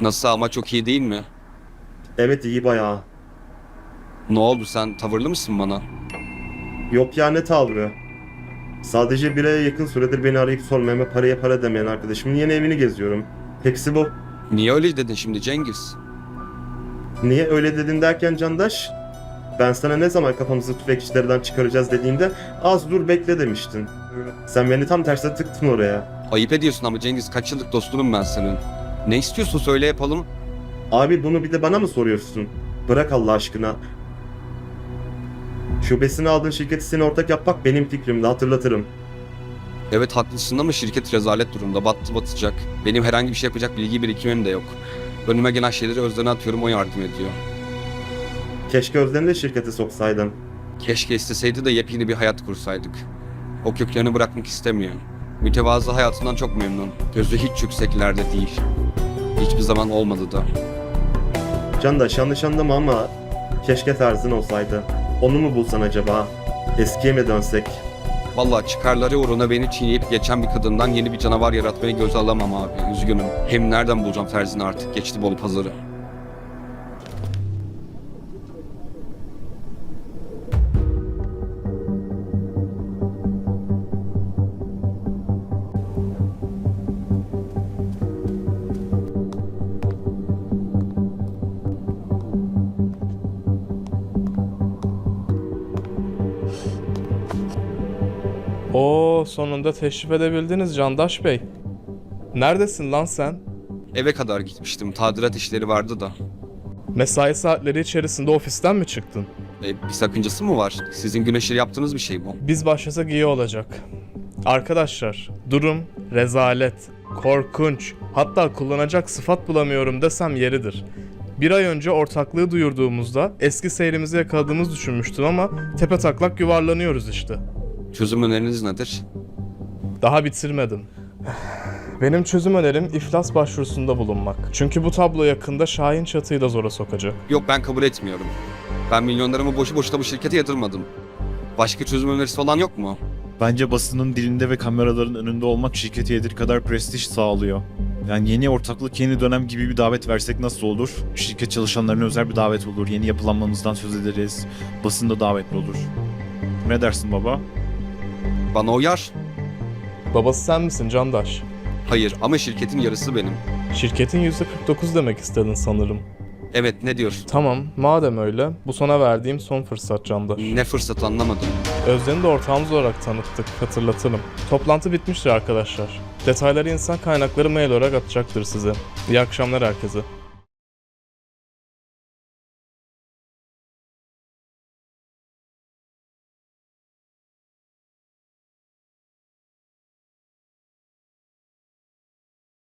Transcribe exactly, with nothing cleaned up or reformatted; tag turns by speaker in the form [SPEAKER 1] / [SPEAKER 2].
[SPEAKER 1] Nasıl ama çok iyi değil mi?
[SPEAKER 2] Evet, iyi bayağı.
[SPEAKER 1] Ne oldu, sen tavırlı mısın bana?
[SPEAKER 2] Yok ya, ne tavrı? Sadece bir aya yakın süredir beni arayıp sormayan ve paraya para demeyen arkadaşımın yeni evini geziyorum. Hepsi bu.
[SPEAKER 1] Niye öyle dedin şimdi Cengiz?
[SPEAKER 2] Niye öyle dedin derken Candaş? Ben sana ne zaman kafamızı tüfekçilerden çıkaracağız dediğimde az dur bekle demiştin. Sen beni tam tersine tıktın oraya.
[SPEAKER 1] Ayıp ediyorsun ama Cengiz, kaç yıllık dostunum ben senin. Ne istiyorsun söyle yapalım.
[SPEAKER 2] Abi bunu bir de bana mı soruyorsun? Bırak Allah aşkına. Şubesini aldığın şirketi seni ortak yapmak benim fikrimdi, hatırlatırım.
[SPEAKER 1] Evet haklısın ama şirket rezalet durumda, battı batacak. Benim herhangi bir şey yapacak bilgi birikimim de yok. Önüme gelen şeyleri Özden'e atıyorum, o yardım ediyor.
[SPEAKER 2] Keşke Özden'i de şirkete soksaydın.
[SPEAKER 1] Keşke isteseydi de yepyeni bir hayat kursaydık. O köklerini bırakmak istemiyor. Mütevazı hayatından çok memnun. Gözü hiç yükseklerde değil. Hiçbir zaman olmadı da.
[SPEAKER 2] Candaş, yanlış anlama ama keşke tarzın olsaydı. Onu mu bulsan acaba? Eskiye mi dönsek?
[SPEAKER 1] Vallahi çıkarları uğruna beni çiğneyip geçen bir kadından yeni bir canavar yaratmayı göze alamam abi. Üzgünüm. Hem nereden bulacağım terzini artık? Geçti Bolu pazarı.
[SPEAKER 3] Oo, sonunda teşrif edebildiniz Candaş Bey. Neredesin lan sen?
[SPEAKER 1] Eve kadar gitmiştim. Tadilat işleri vardı da.
[SPEAKER 3] Mesai saatleri içerisinde ofisten mi çıktın?
[SPEAKER 1] E, bir sakıncası mı var? Sizin güneşleri yaptığınız bir şey bu.
[SPEAKER 3] Biz başlasak iyi olacak. Arkadaşlar, durum rezalet, korkunç, hatta kullanacak sıfat bulamıyorum desem yeridir. Bir ay önce ortaklığı duyurduğumuzda eski seyrimizi yakaladığımızı düşünmüştüm ama tepe taklak yuvarlanıyoruz işte.
[SPEAKER 1] Çözüm öneriniz nedir?
[SPEAKER 3] Daha bitirmedim. Benim çözüm önerim iflas başvurusunda bulunmak. Çünkü bu tablo yakında Şahin Çatı'yı da zora sokacak.
[SPEAKER 1] Yok, ben kabul etmiyorum. Ben milyonlarımı boşu boşuna bu şirkete yatırmadım. Başka çözüm önerisi olan yok mu?
[SPEAKER 4] Bence basının dilinde ve kameraların önünde olmak şirkete yeteri kadar prestij sağlıyor. Yani yeni ortaklık, yeni dönem gibi bir davet versek nasıl olur? Şirket çalışanlarına özel bir davet olur. Yeni yapılanmamızdan söz ederiz. Basında davetli olur. Ne dersin baba?
[SPEAKER 1] Bana uyar.
[SPEAKER 3] Babası sen misin Candaş?
[SPEAKER 1] Hayır ama şirketin yarısı benim.
[SPEAKER 3] Şirketin yüzde kırk dokuz demek istedin sanırım.
[SPEAKER 1] Evet, ne diyorsun?
[SPEAKER 3] Tamam, madem öyle, bu sana verdiğim son fırsat Candaş.
[SPEAKER 1] Ne fırsat anlamadım.
[SPEAKER 3] Özden'i de ortağımız olarak tanıttık, hatırlatalım. Toplantı bitmiştir arkadaşlar. Detayları insan kaynakları mail olarak atacaktır size. İyi akşamlar herkese.